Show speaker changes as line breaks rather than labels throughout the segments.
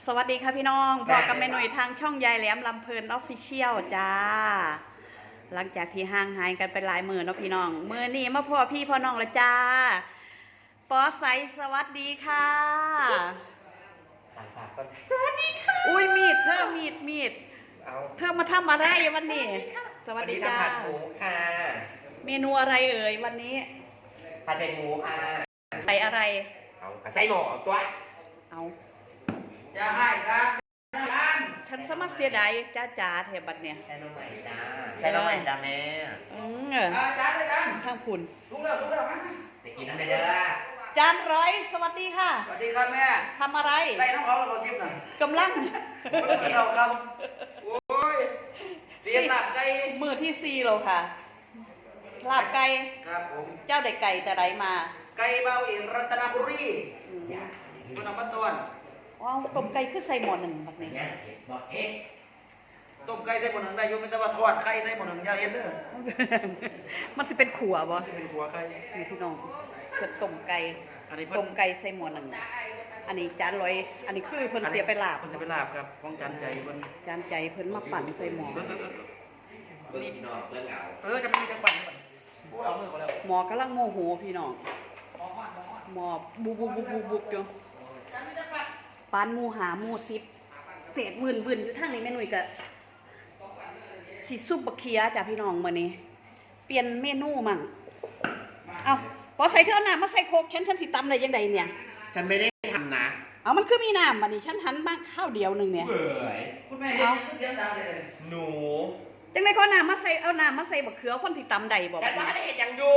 สวัสดีค่ะพี่น้องบอกกับแม่หน่วยทางช่องยายแหลมลำเพลินออฟฟิเชียลจ้าหลังจากที่ห่างหายกันไปหลายมื้อเนาะพี่น้องมื้อนี้มาพ่อพี่พ่อน้องละจ้าปอใสสวัสดีค่ะสวัสดีค่ะอุ้ยมีดเธอมีดเธอมาทำอะไรวันนี้สวัสดีจ้า
ผัดหมูค่ะ
เมนูอะไรเอ่ยวันนี้
ผัดเป็นหมูค่ะ
ใส่อะไร
เอาใส่หมูตัว
เอา
จะให้ครับ
ฉันสมัครเสียดายจ้าเทบัดเนี่ย
ใส่น้องใหม่จ้าใส่น้องใหม่จ้าแม่
จ้าข้างผุน
สุกแล้วไปกินน้ำเด้อ
จานร้อยสวัสดีค่ะ
สวัสดีครับแม่
ทำอะไร
ไล่น้องเขาเราทิพย์หน่อย
กำลัง
เราครับโอ้ยเสียหลับไก่
มือที่4เราค่ะลาบไก่
ครับผม
เจ้าได้ไก่แต่ไรมา
ไก่เบาเองรัตนบุรีคุณน้ำมันต้น
ว้าวต้มไก่คือใส่หม้อหนึ่งแบบนี้
ต้มไก่ใส่หม้อหนึ่งได้ยุ่งไม่ต้องมาทอดไข่ใส่หม้อหนึ่งอย่าเห็นเด้อ
มันจะเป็นขัวบ่
เป็นขัวไข่
นี่พี่น้องเพิ่นต้มไก่ต้มไก่ใส่หม้อหนึ่งอันนี้จานร้อยอันนี้คือเพิ่นเสียไปลาบ
เพิ่นเสียไปลาบครับของจานใจเพิ่น
จานใจเพิ่นมาปั่นใส่หม้อ
จะไม่มีจังปั่นเอามือแล้ว
หม้อกำลังโมโหพี่น้องหม้อบุบอยู่ปานหมูหาหมู10เศษวื่นอยู่ทางนี้แม่หนุ่ยก็สิซุปบะเคียจ้ะพี่น้องมื้อนี้เปลี่ยนเมนูมั่งเอาพอใส่เธอน้ำมาใส่โคกฉันสิตำได้ยังไงเนี่ย
ฉันไม่ได้ทำนะ
เอามันคือมีน้ำบัดนี้ฉันหันบ้างข้าวเดียวนึงเนี่ย
คุณแม่เห็นเสียงดังเลยหนู
จังได๋เขาน้ำมาใส่เอาน้ำมาใส่บักเขือคนสิตำได้บ่
ฉันว่าได้เห็นยังอยู่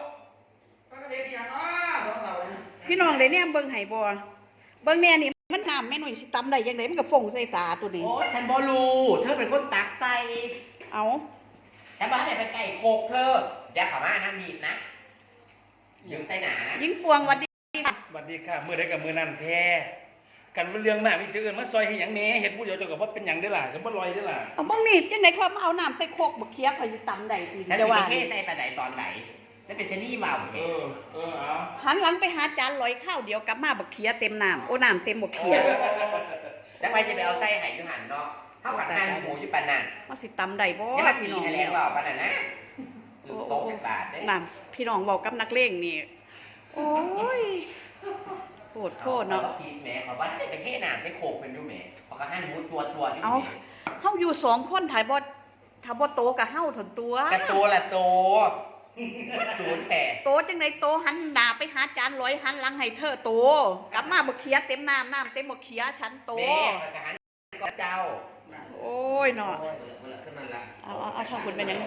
พี่น้องได้เนี่ยเบิ่งให้บ่เบิ่งแน่นี่มันน้ำแม่หนุ่ยสิตำได้ยังไงมันก็ฟงใส่ตาตัวนี้
โอ้ฉันบ่รู้เธอเป็นคนตักใส่
เอา
ฉันบ่ได้ไปไก่โคกเธออย่าเข้ามาน้ำดีดนะยิงใส่หนานะ
ยิงปวงวัดดี
ค่ะวัดดีค่ะมือได้กับมือนั่นแท้กันเรื่องหน้ามีจืดมาซอยให้หยังแหน่เฮ็ดผู้เดียวจนกับว่าเป็นหยังได้ล่ะจะบ่ลอยได้ล่ะ
เอาบิ่งนี่จังได๋เขามาเอาน้ำใส่โคกบักเคียข่อยสิตำได้อี
จะว่าเทใส่ปลาไหลตอนไหนแล้วเป็นชนี่ว่าว
เอา
หันหลังไปหาจานลอยข้าวเดียวกลับมาบักเคียเต็มน้ำโอ้น้ำเต็มบักเคีย
จังไว้จะไปเอาไส้ไห่ยูหันเนาะเท่ากับหั่นหมูอยู่ปานนั้น
มันสิตำได้บ่
พี่น้องแล้วว่าปานนั้นนะโต๊ะบาทได้
น้ำพี่น้องเว้ากับนักเลงนี่โอ้ยโทษเนาะ
กินแหมเขาว่าได้ไปเทน้ำใส่โคกเป็นอยู่แหมเขาก็หั่นหมูตัวอยู่
เอาเฮาอยู่2คนถ่ายบ่ถ้าบ่โตก็เฮาถอนตัว
กะโตละโต08
โตจังได๋โตหันหน้าไปหาจานลอยหันหลังให้เธอโตกลับมาบักเคียเต็มน้ำเต็มบักเคียฉันโต
แม่ก็หันก็เจ้า
โอ้ยเนาะเอาถ้าคุณเป็นหยัง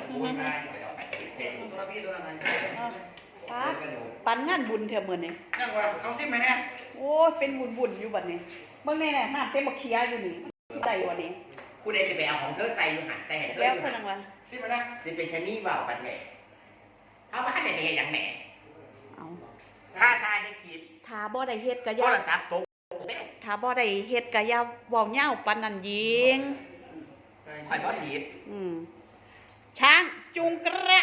ปันงานบุญเถอะมื้อนี้
นั่งว่าเอาซิมให้แน่
โอ้ยเป็นบุญอยู่บัดนี้เบิ่งแน่ๆน้ำเต็มบักเคียอยู่นี่ได้บ่นี่
ผู้ใดสิไปเอาของเธอใส่อยู่หันใส่ให้เธอ
แล้วเพิ่นว่า
ซิมให้แน่สิเป็นชะนีว่าวปันแหน่เอามาให้ได้ไปเฮ็ดหยังแหน่
เอา
ถ้าได้คิด
ถ้าบ่ได้เฮ็ดก็อย่าถ้าบ่ได้เฮ็ดก็อย่าเว้าเหย้าปานนั้นยิง
ข่อยบ่ผิด
ช้างจุงกระ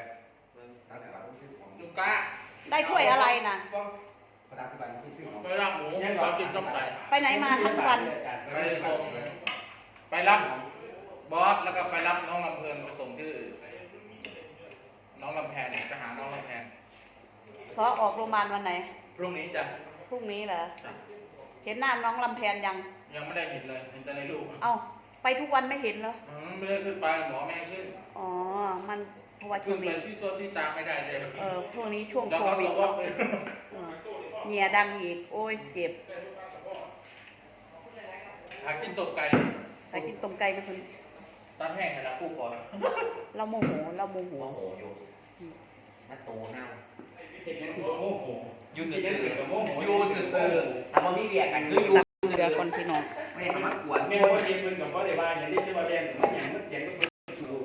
ได้ถ้วยอะไรนะ
ไปรับหมูไปกินส้มไก่
ไปไหนมาทั้งวัน
ไปรับบอสแล้วก็ไปรับน้องลำเพลินไปส่งที่น้องลำแพนไปหาน้องลำแพน
ซอออกโรงพยาบาลวันไหน
พรุ่งนี้จ้ะ
พรุ่งนี้เหรอเห็นหน้าน้องลำแพนยัง
ไม่ได้เห็นเลยเห็นแต่ในรูป
เอ้าไปทุกวันไม่เห็นเหรอ
ไม่ได้ขึ้นไปหมอแม่ขึ้น
อ๋อมันเพราะว่าช่วงนี้
ที่ตัวที่ตามไม่ได้เลย
ช่วงนี้ช่วงโควิดเงียดังอีกโอ้ยเจ็บ
หากินต้มไก่
ไม่คุณ
ตัดแห้งให้ละผู้ก่อน
เราโมโห
อยู่ถ้าโตเน่า
เห็นโมโห
อยู่ซื่อถ้าบ่มีเบียร์กันคืออยู่
เดือคนพี่น้อง
ไม่ทำมากวน
แม่ว่าเย็นมันกับว่าได้บ้านอย่างนี้จะมาแดงมันอย่างมันเจ๋งมันชู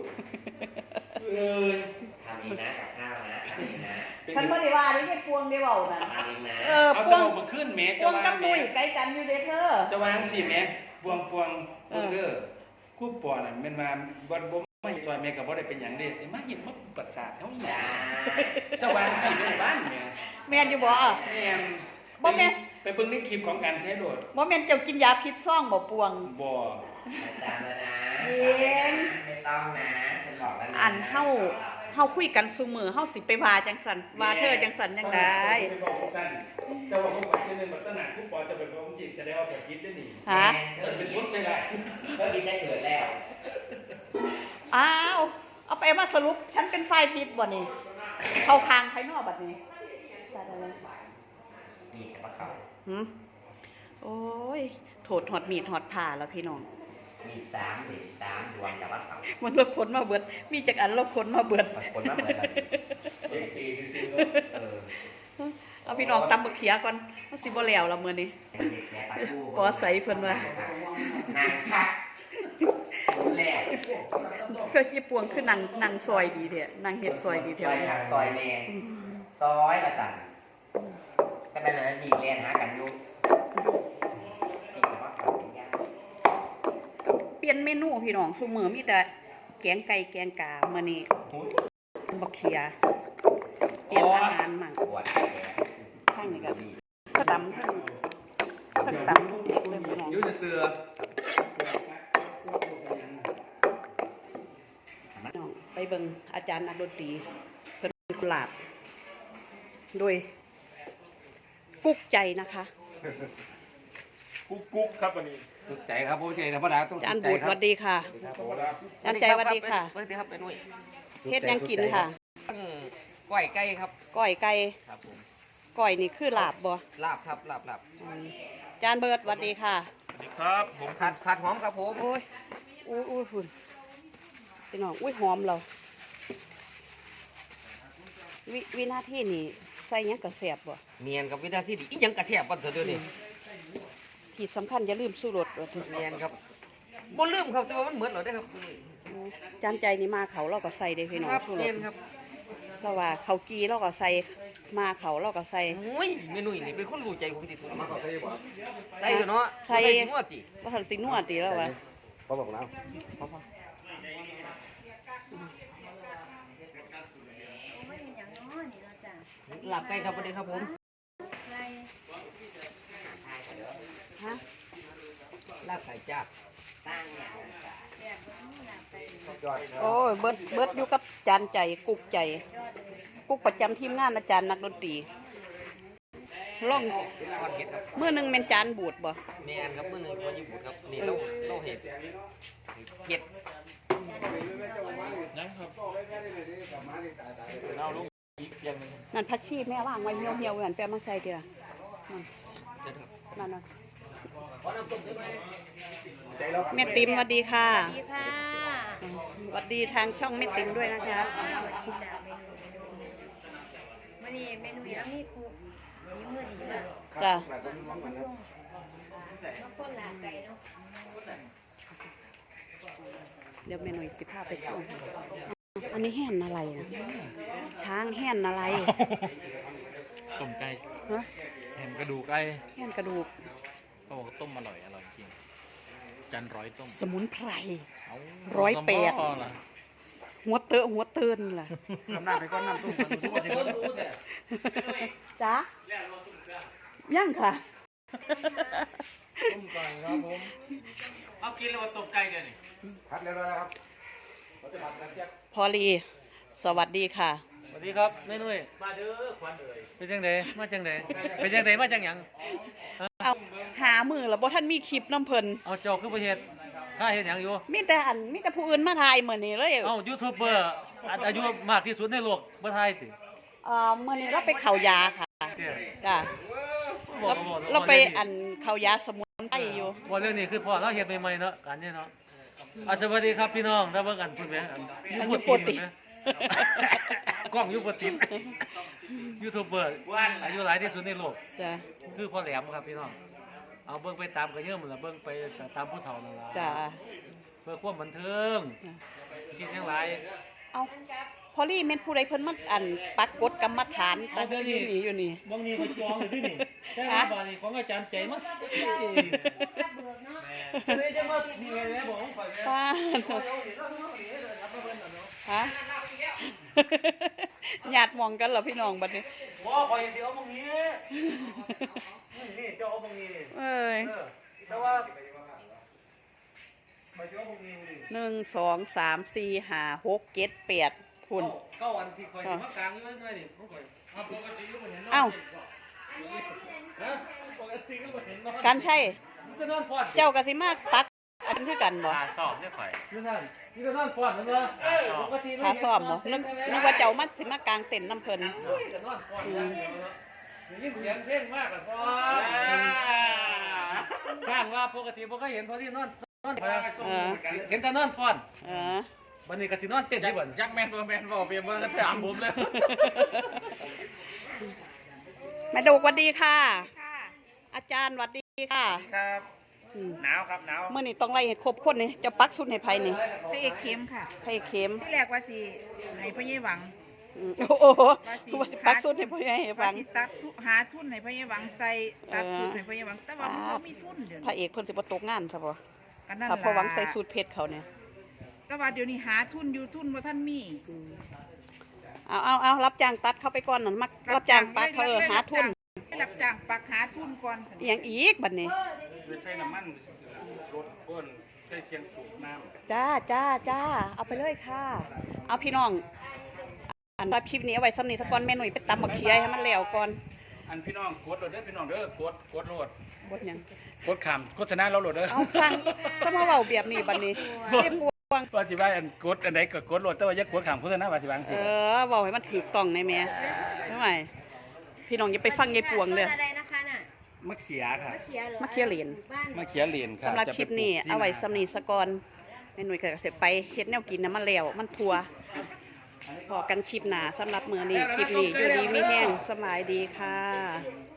ทำเองนะกับข้าวนะทำเองนะ
ฉันไม่ได้ว่าได้แค่พวงได้เบานะ
ทำเองนะ
พวงมาขึ้นแม่
พวงกับนุ่ยใกล้กันอยู่เด้อเธอ
จะวางสิแม่พวงเด้อคู่ปอน่ะมันมาบ่ไม่ซอยแม่กับบ่ได้เป็นอย่างเด็ดมาเห็นว่าประสาทเท่านี้จะวางสิในบ้านแม่
แม่อยู่บ่
แม่
บ่แม่
ไปเบิ่งในคลิปของการใช้โดด
บ่แม่นเจ้ากินยาพิษซ่องบ่ปวง
บ่
อาจารย์แล้วนะ
เย็น
ไม่ต้องนะฉันบอกแล้วนะ
อันเฮาคุยกันซุมื้อเฮาสิไปว่าจังซั่นว่าเธอจังซั่นจังได๋
ไปบอกสั้นแต่ว่าเขาบอกนึงบัดตนาผู้ปอจะเป็นของจิตจะได้เอาแบบคิดได้นี่
ฮะ
จะเป็นคนใช่ได้
ก็ดีได้เกิดแล้ว
อ้าวเอาไปมาสรุปฉันเป็นฝ่ายผิดบ่นี่เข้าข้างไผนอกบัดนี้ได้เลย
นี่แต่ว่าเขา
หืมโอ้ยโถดหอดมีดหอดผ่าแล้วพี่น้อง
มี3เด็ก3ดวงแต่ว่าเขา
มันเราคนมาเบิดมีจักอันเราคนมาเบิด
คนมาเหมือนกัน
เด็กตีซื่อ
เอาพี่น้องตำบักเขียก่อนมันสิบ่แล้วละมื้อนี้
เด็กแม่ปลาทู
ปอใสเพิ่นว่า
นางคักรู้แล้ว
ก็ยี่ปวงคือนางซอยดีแท้นางเฮ็ดซอยดี
ซ
แท้
อยหักซอยแม่ซอยกระสันแต่เป็นอะไรมีเรียนหากันอยู่นี่แต่ว่าเขาเป็นยาก
เปลี่ยนเมนูพี่น้องซุมื้อมีแต่แกงไก่แกงกามื้อนี้บักเขียเปลี่ยนอาหารมั่ง
ปวดแขน
ข้างนี้ก็ก็ตำทั้งตำเด็กเลยพี่น้อง
ยุ่จะเสือ
น้องไปเบิ่งอาจารย์นักดนตรีเพิ่นกุหลาบโดยกุ๊กใจนะคะ
กุ๊กครับวันนี้
สุดใจครับผู้ใจธรรมดาต้อง
อาจาร
สุ
ย์
ดใจ
บูด
ค
ส
รับ
วัสดีค่ะอาจารย์ใจสวัสดีค่ะ
สวัสดีครับเป็นนุ่ย
เฮ็ดหยังกินค่ะ
ก้อยไก่ครับ
ก้อยไก่
ครับผม
ก้อยนี่คือลาบบ่
ลาบครับลาบ
อาจารย์เบิร์ดสวัสดีค่ะ
สวัสดีครับผม
ผัดหอมครับผม
โอ้ยอุ้ยหุ่นพี่น้องอุ้ยหอมเราวินาทีนี่ใส่หยังกระแสบบ่
เนียนกับวิธีที่ดีอีหยังกระเทียบบ้านเถอะเดี๋ยวนี้
ที่สำคัญอย่าลืมสู้รสว่าเถอะ
เนียนครับบ่ลืมครับแต่ว่ามันเหมือนเราได้อครับ
จานใจนี่มาเขาเราก็ใส่ได้พี่น้อง
ครับ
สู้ร
เนีย
ส
นครับ
เราว่าเขากีเราก็ใส่มาเขาเราก็ใส่
โอ้ยเมนุ่ยนี่เป็นคนรู้ใจผมที่สุดมาได้อยู่เนาะ
ใส่
นวดติ
ว่าทันสินวดตีแล้ววะ
เขาบอกแล้ว
ลาบไก่ครับสวัสดีครับผม
ฮะ
ลาบไก่จ้า
โอ้ยเบิดอยู่กับจานใจกุ๊กใจ กุ๊กประจำทีมงานอาจารย์นักดนตรีล่อง
ทอดเห็ดครับ
เมื่อหนึงเป็นจานบูดบ่
เนียนครับมื้อหนึงคนญี่ปุ่นครับนี่เราเห็ดเห็ด
เอาลุงอีกอย่างหนึง
นั่นพักชีแม่ว่างไว้เหี่ยวๆนั่นแปลมาใส่ทีละนั่นแม่ติ๋มสวัสดีค่ะ
สวัสดีค่ะ
สวัสดีทางช่องแม่ติ๋มด้วยนะจ๊ะ
วันนี้เมนูยังมีครูมีมือดีมาก
จ้ะ
ช่วงมาพ่นหลาไก่เนาะ
เดี๋ยวเมนูสิพาไปชมอันนี้แห่นอะไรนะช้างแห่นอะไร
ต้มไก่
ฮะ
แฮมกระดูกไก่
แห่นกระดูก
เขาบอกต้มอร่อยจริงจันร้อยต้ม
สมุนไพร
เอา
108
ต้มบ่ล่ะ
หัวเตอะหัวเตือนล่ะ
ทำหน้าไปก้อนน้ำตุ้มมันสู้กันสิครับ
จ๊ะยังค่ะ
ต้มไก่ครับผมเอากินแล้วว่าต้มไก่เดี๋ยวนี้
พัดเรียบร้อยแล้วครับ
พอลีสวัสดีค่ะ
สวัสดีครับแม่นุ่ยมาเด้อควันเอ๋ยเป็นจังไดมาจังไดเป็นจังไดมาจังหยัง
เอาหามือแล้วบ่ท่านมีคลิปน้ำเพิ่น
เอาเจ้าคือประเทศข้าเห็นหยังอยู่
มีแต่ผู้อื่นมาถ่ายมื้อนี้เลย
เอายูทูบเบอร์อายุมากที่สุดในโลกบ่ทายติ
มื้อนี้เราไปเข้ายาค่ะ
เด้อ
จ้ะ
บอก
เราไปอันเข้ายาสมุนไพรอยู่
ว่าเรื่องนี้คือพ่อเราเฮ็ดใหม่ๆเนาะการเนี่ยเนาะสวัสดีครับพี่น้องถ้าเบิ่งกันพุ่นแม่อันยูโปรตีนกล้องยูโปรตีนยูทูบเบอร์อายุหลายที่สุดในโลก
จ้ะ
คือพ่อแหลมครับพี่น้องเอาเบิ่งไปตามกันเยอะหมดละเบิ่งไปตามผู้เฒ่านั่นล่ะ
จ้ะ
เพื่อความบันเทิงคิดหยังหลาย
เอาพอลี่แม่นผู้ใดเพิ่นมาอันปักกฎกรรมฐานตั้งอยู่นี่
บางนี้ก็จองอยู่ที่นี่แต่ว่าบาดนี้ของอาจารย์ใจมั้ง
รับเบิกเนาะ
เลยจะมานี่ไงแม่บอกของข่อยแม่
ป้าฮะญาติมองกันเหรอพี่น้องบัดนี้
บ่คอยสิเอาบางนี้นี่เจ้าเอาบางนี้
เอ้ย
แต่ว่าไปเจ้าบางนี้นี่
1 2 3 4 5 6 7 8พุ่น
เก้าวันที่คอยสิมากลางอยู่ไว้นี่ผมคอยปกติก็บ่เห็นนอน
เอ้า
ฮะปกติก็บ่เห็นนอน
การใช่
มันก็นอนฟอด
เจ้ากะสิมาตักอันคือกันบ่
สอบเนี่ยข่อย
นี่นั่นนี่ก็นอนฟอดนั่นบ่ปกติไม่
ขา
เห็น
ซ้อมบ่นึกว่าเจ้ามาสิมากลางเต็นท์น้ำเพิ่น
จะนอนฟอดอย่างเดียวเนาะได้ยินเสียงเพลงมากอะฟอดข้างว่าปกติบ่เคยเห็นพอที่นอนฟอดเห็นแต่นอนฟอด
เออ
บัดนี้ก็สินอนเต้นที่บ่น
ยักแมนบ่แมนบ่เปรียบเบิ่งกันถามผมเลย
แม่ดูสวัสดีค่ะ อาจารย์สวัสดีค่ะ
ครับ
อืม
หนาวครับหนาว
เมื่อนี้ต้องไล่ให้ครบคนนี่จะปักสุดให้ไผนี่
พระเอกเข้มค่ะ
ให้เข็ม
ที่แรกว่าสิให้พ่อใหญ่หวัง
โอ้โหว่าสิปักสุดให้พ่อใหญ่ให้ฟั
ว่าง สิตัดหาทุนให้พ่อใหญ่หวังใส่ตัดสูตรให้พ่อใหญ่หวังแต่ว่ามันบ่มีทุนเดี๋ยว
พระ
นี้
เอกเพิ่นสิบ่ตกงานซะบ่
ก็นั่น
ถ้า
ล่ะ
พอหวังใส่สูตรเพชรเขาเนี่ย
แต่ว่าเดี๋ยวนี้หาทุนอยู่ทุนบ่ทันมี
เอารับจ้างตัดเข้าไปก่อนนั่นมักรับจ้างปักเขาหาทุน
รับจ้างปักหาทุนก่อน
อหยังอีกบัดนี้
ไปใส่น้ำมันรถเพิ่นใส่เคียงสูบน้ำ
จ้าเอาไปเลยค่ะ เอาพี่น้อง อันว่าคลิปนี้เอาไว้สำนีสักก่อนแม่หนุ่ยไปตำบักเขียให้มันแล้วก่อน
อันพี่น้องกดโหลดเด้อพี่น้องเด้อกดโหลด
บดหยัง
กดขามโฆษณาเราโหลดเด้อ
เอาสั่งสมาเว้าแบบนี้บัดนี้เรียบวง
ว่าสิว่าอันกดอันใดก็กดโหลดแต่ว่าอย่ากดขามโฆษณาว่าสิว่าจัง
เอ
ซี่
อเว้าให้มันถูกต้องในแม่ทำไมพี่น้องอย่าไปฟังยายปวงเด้อ
อะไรนะคะน่ะ
มะเขียค่ะ
มะเขียเหรอ
มะเขียเหรียญ
บ้าน
มะเขียเหรียญค่ะ
สำหรับ
จะ
คลิป
ไปลูก
นี้
ที่
เอาไว้
นา
สำนีสะก่อนแม่หนุ่ยก็เสร็จไปเฮ็ดแนวกินนะมันแล้วมันทัวพอกันคลิปหน้าสำหรับมื้อนี้คลิปนี้อยู่ดีมีแห้งสบายดีค่ะ